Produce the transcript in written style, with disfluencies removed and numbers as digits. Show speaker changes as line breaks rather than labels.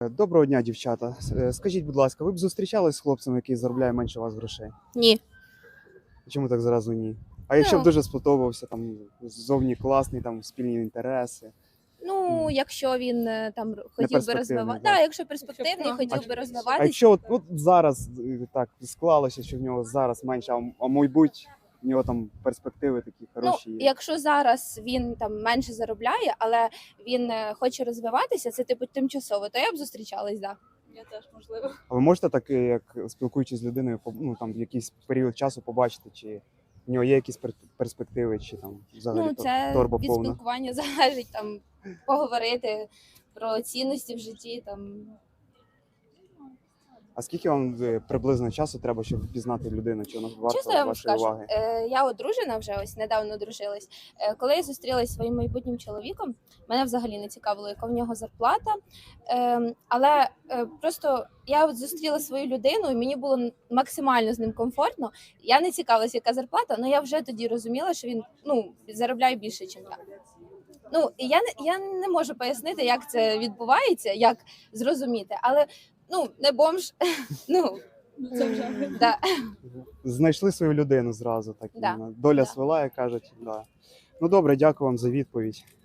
Доброго дня, дівчата. Скажіть, будь ласка, ви б зустрічались з хлопцем, який заробляє менше вас грошей?
Ні.
Чому так зразу ні? А якщо б
Ну.
дуже сподобався, там зовні класний, там спільні інтереси.
Ну, якщо він там хотів би
перспективний,
розвивати,
так.
якщо перспективний, хотів би
А
розвиватися.
якщо от зараз так склалося, що в нього зараз менше, а мабуть, в нього там перспективи такі
Ну,
хороші є.
якщо зараз він там менше заробляє, але він хоче розвиватися, це типу тимчасово, то я б зустрічалась, да.
Я теж, можливо.
А ви можете так, як спілкуючись з людиною, там в якийсь період часу побачити, чи в нього є якісь перспективи, чи там взагалі
Ну, це
торба
від
повна?
спілкування залежить, там поговорити про цінності в житті. Там
А скільки вам приблизно часу треба, щоб впізнати людину, чи вона
чесно, я
варта
вам
вашої
скажу,
уваги?
я одружена вже ось недавно одружилась. Коли я зустрілася зі своїм майбутнім чоловіком, мене взагалі не цікавило, яка в нього зарплата. Але просто я от зустріла свою людину, і мені було максимально з ним комфортно. Я не цікавилася, яка зарплата, але я вже тоді розуміла, що він заробляє більше, ніж я. Ну, і я не можу пояснити, як це відбувається, як зрозуміти, але не бомж.
Це вже.
Да.
Знайшли свою людину зразу, так
Да,
доля
да.
свела, як кажуть. Да. Ну добре, дякую вам за відповідь.